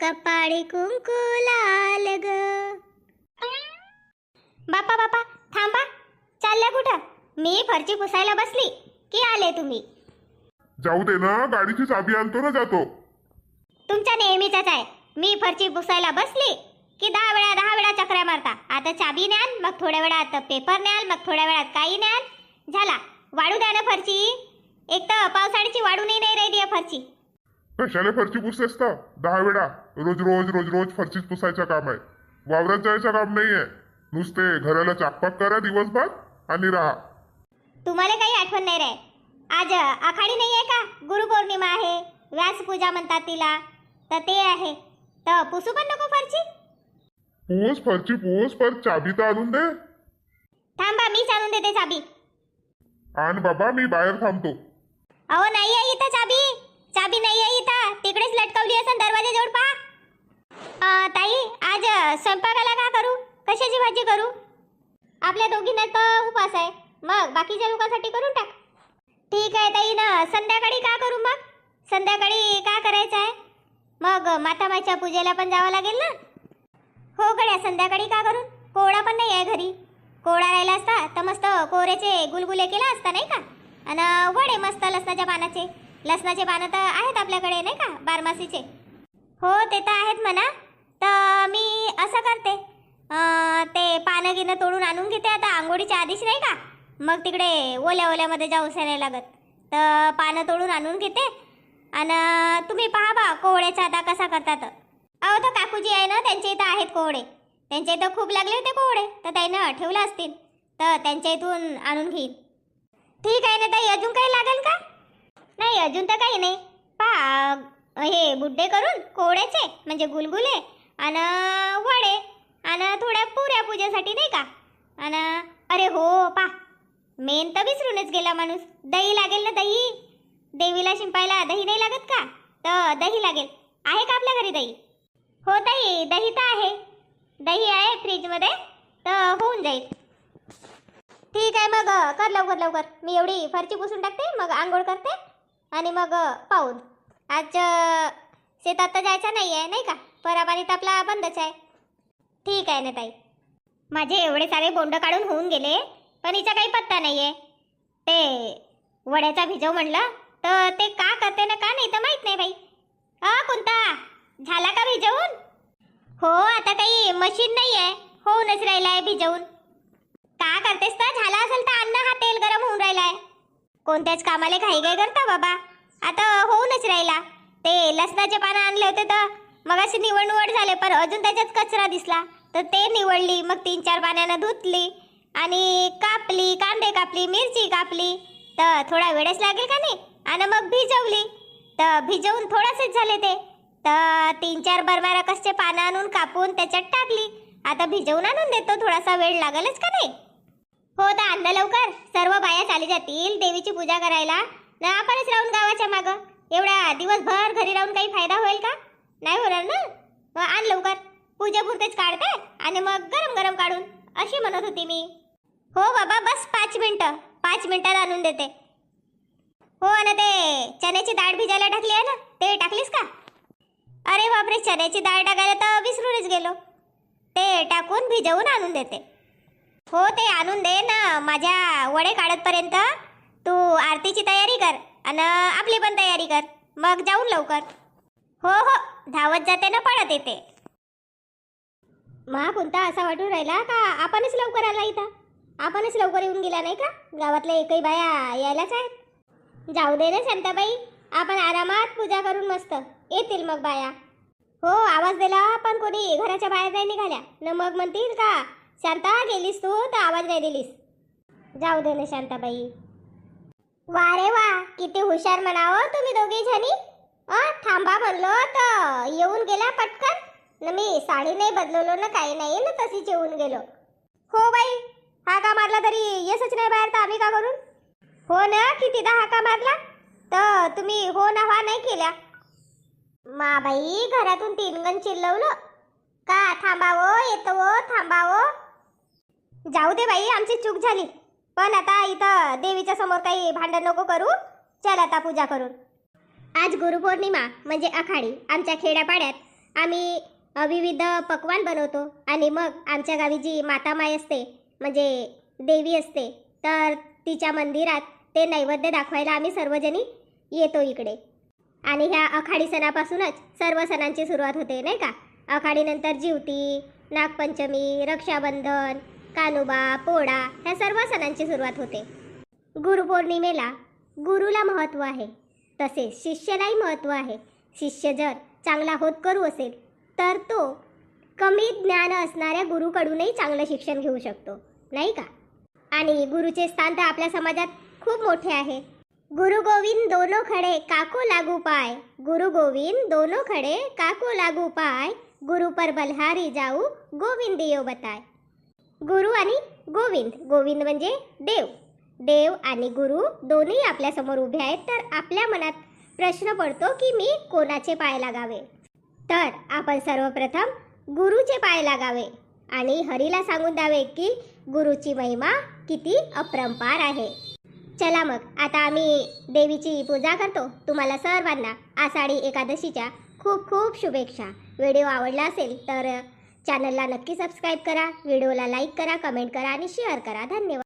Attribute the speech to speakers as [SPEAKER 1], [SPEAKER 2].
[SPEAKER 1] कपाळी कुंकू लाल ग. बापा बापा थांबा, चालल्या कुठं? मी फरची पुसायला बसली की आले तुम्ही?
[SPEAKER 2] जाऊ दे ना, गाडीची चाबी आणतो ना जातो.
[SPEAKER 1] तुमच्या नेहमीचाच आहे. मी फरची पुसायला बसली की 10 वेळा चक्र्या मारता. आता चाबी न्याल, मग थोड्या वेळात पेपर न्याल, मग थोड्या वेळात काही न्याल. झाला, वाढू द्या ना फरची. एक तर पावसाळ्याची वाढूनही नाही राहिली आहे फरची.
[SPEAKER 2] कशाला फरची पुसतेस तर 10 वेळा? रोज रोज रोज रोज फरचीच पुसायचं काम आहे. वावरात जायचं काम नाहीये. नुसते घराला चाकपाक करा दिवसभर आणि राहा.
[SPEAKER 1] तुम्हाला काही आठवण नाही रे? आज आखाडी नाही आहे का? गुरुपौर्णिमा आहे, व्यासपूजा म्हणतात तिला, तर ते आहे. तर पुसू पण नको फरची?
[SPEAKER 2] पूस फरची पूस, पर चाबी तर आणून दे.
[SPEAKER 1] थांबा, मीच आणून देते चाबी.
[SPEAKER 2] आण बाबा, मी बाहेर थांबतो.
[SPEAKER 1] अहो नाही आहे इथं चाबी. चाबी नाही आहे इथं, तिकडेच लटकवली असेल दरवाजाजवळ. पहा ताई, आज स्वयंपाकाला का करू? कशाची भाजी करू? आपल्या दोघींना तर उपास आहे, मग बाकीच्या लोकांसाठी करून टाक. ठीक आहे ताई ना, संध्याकाळी का करू? मग संध्याकाळी का करायचं आहे? मग मातामाच्या पूजेला पण जावं लागेल ना. हो गड्या, संध्याकाळी का करून? कोवळा पण नाही आहे घरी. कोवळा राहिला असता तर मस्त कोवऱ्याचे गुलगुले केला असता नाही का? आणि वडे मस्त लसणाच्या पानाचे. लसणाचे पानं तर आहेत आपल्याकडे नाही का, बारमासीचे. हो ते तर आहेत म्हणा. तर मी असं करते, ते पानं गिनं तोडून आणून घेते आता आंघोळीच्या आधीच नाही का. मग तिकडे ओल्या ओल्यामध्ये जाऊच नाही लागत. तर पानं तोडून आणून घेते. आणि तुम्ही पहा बा कोवळ्याचा आता कसा करतात. अहो तर काकूजी आहे ना, त्यांच्या इथं आहेत कोवळे. त्यांच्या इथं खूप लागले होते कोवळे, तर त्यानं ठेवलं असतील, तर त्यांच्या इथून आणून घेईन. ठीक आहे ना ताई, अजून काही लागेल का? नाही अजून तर काही नाही. पहा हे बुड्डे करून कोवळ्याचे म्हणजे गुलगुले आणि वडे आणि थोड्या पुऱ्या पूजेसाठी नाही का. आणि अरे हो पा, मेन तर विसरूनच गेला माणूस. दही लागेल ना, दही. देवीला शिंपायला दही नाही लागत का? तर दही लागेल. आहे का आपल्या घरी दही? हो ताई, दही तर आहे. दही आहे फ्रीजमध्ये, तर होऊन जाईल. ठीक आहे, मग कर लवकर लवकर. मी एवढी फरची पुसून टाकते, मग आंघोळ करते आणि मग पाहून. आज शेतात तर जायचं नाही आहे नाही का, परापाणी तर आपला बंदच आहे. ठीक आहे ना ताई. माझे एवढे सारे बोंड काढून होऊन गेले, पण हिचा काही पत्ता नाही आहे. ते वड्याचा भिजव म्हणलं, तर ते का करते ना का नाही तर माहीत नाही बाई. कोणता झाला का भिजवून? हो, आता काही मशीन नाही आहे, होऊनच राहिला आहे भिजवून. का करतेस तर? झाला असेल तर अन्न, हा तेल गरम होऊन राहिलाय. कोणत्याच कामाला घाई घाई करता बाबा. आता होऊनच राहिला. ते लसणाचे पानं आणले होते तर मग अशी निवड झाले, पण अजून त्याच्यात कचरा दिसला तर ते निवडली. मग 3-4 पाण्यानं धुतली आणि कापली, कांदे कापली, मिरची कापली. तर थोडा वेळच लागेल का नाही. आणि मग भिजवली, तर भिजवून थोडासेच झाले ते. तर 3-4 बरबारा कसे पानं आणून कापून त्याच्यात टाकली. आता भिजवून आणून देतो, थोडासा वेळ लागेलच का नाही. हो तर आणलं लवकर. सर्व बाया चाली जातील देवीची पूजा करायला, ना आपणच राहून गावाच्या मागं. एवढ्या दिवसभर घरी राहून काही फायदा होईल का? नाही होणार ना. मग आण लवकर, पूजेपुरतेच काढते आणि मग गरम गरम काढून, अशी म्हणत होती मी. हो बाबा, बस 5 मिनिटं, 5 मिनिटात आणून देते. हो, आणि ते चण्याची डाळ भिजायला टाकली आहे ना, ते टाकलीस का? अरे बापरे, चण्याची डाळ टाकायला तर विसरूनच गेलो. ते टाकून भिजवून आणून देते. हो ते आणून दे ना. माझ्या वडे काढतपर्यंत तू आरतीची तयारी कर आणि आपली पण तयारी कर, मग जाऊन लवकर. हो हो, धावत जाते ना पळत येते. मा कोणता असा वाटून राहिला का आपणच लवकर आला इथं. आपणच लवकर येऊन गेला नाही का? गावातल्या एकही बाया यायलाच आहेत. जाऊ दे ना शांताबाई, आपण आरामात पूजा करून मस्त येतील मग बाया. हो, आवाज दिला पण कोणी घराच्या बाहेर नाही निघाल्या न, मग म्हणतील का शांता गेलीस तू तर आवाज नाही दिलीस. जाऊ दे ना शांताबाई. वा रे वा, किती हुशार म्हणावं तुम्ही दोघी जणी. थांबा म्हणलो तर येऊन गेला पटकन. न मी साडी नाही बदलवलो ना, काही नाही ना, तशीच येऊन गेलो. हो बाई, हाका मारला तरी येसच नाही बाहेर, तर आम्ही का करून? हो ना, कितीदा हाका मारला तर तुम्ही हो ना हा नाही केल्या. मा बाई, घरातून 3 गण चिल्लवलं का थांबावं येतो थांबावं. जाऊ दे बाई, आमची चूक झाली. पण आता इथं देवीच्या समोर काही भांडण नको करू. चल आता पूजा करून. आज गुरुपौर्णिमा म्हणजे आखाडी. आमच्या खेड्यापाड्यात आम्ही विविध पक्वान बनवतो आणि मग आमच्या गावी जी मातामाई असते म्हणजे देवी असते तर तिच्या मंदिरात ते नैवेद्य दाखवायला आम्ही सर्वजणी येतो इकडे. आणि ह्या आखाडी सणापासूनच सर्व सणांची सुरुवात होते नाही का. आखाडीनंतर जिवती, नागपंचमी, रक्षाबंधन, कानुबा, पोळा ह्या सर्व सणांची सुरुवात होते. गुरुपौर्णिमेला गुरुला महत्त्व आहे, तसेच शिष्यालाही महत्त्व आहे. शिष्य जर चांगला होतकरू असेल तर तो कमी ज्ञान असणाऱ्या गुरुकडूनही चांगलं शिक्षण घेऊ शकतो नाही का. आणि गुरुचे स्थान तर आपल्या समाजात खूप मोठे आहे. गुरु गोविंद दोनों खडे काको लागू पाय, गुरु गोविंद दोनों खडे काको लागू पाय, गुरु पर बलहारी जाऊ गोविंद देव बताय. गुरु आणि गोविंद, गोविंद म्हणजे देव, देव आणि गुरु दोन्ही आपल्या समोर उभे आहेत. तर आपल्या मनात प्रश्न पडतो की मी कोणाचे पाय लागावे. तर आपण सर्वप्रथम गुरुचे पाय लागावे आणि हरीला सांगून द्यावे की गुरुची महिमा किती अपरंपार आहे. चला मग आता आम्ही देवीची पूजा करतो. तुम्हाला सर्वांना आषाढी एकादशीच्या खूप खूप शुभेच्छा. व्हिडिओ आवडला असेल तर चॅनलला नक्की सबस्क्राईब करा, व्हिडिओला लाईक करा, कमेंट करा आणि शेअर करा. धन्यवाद.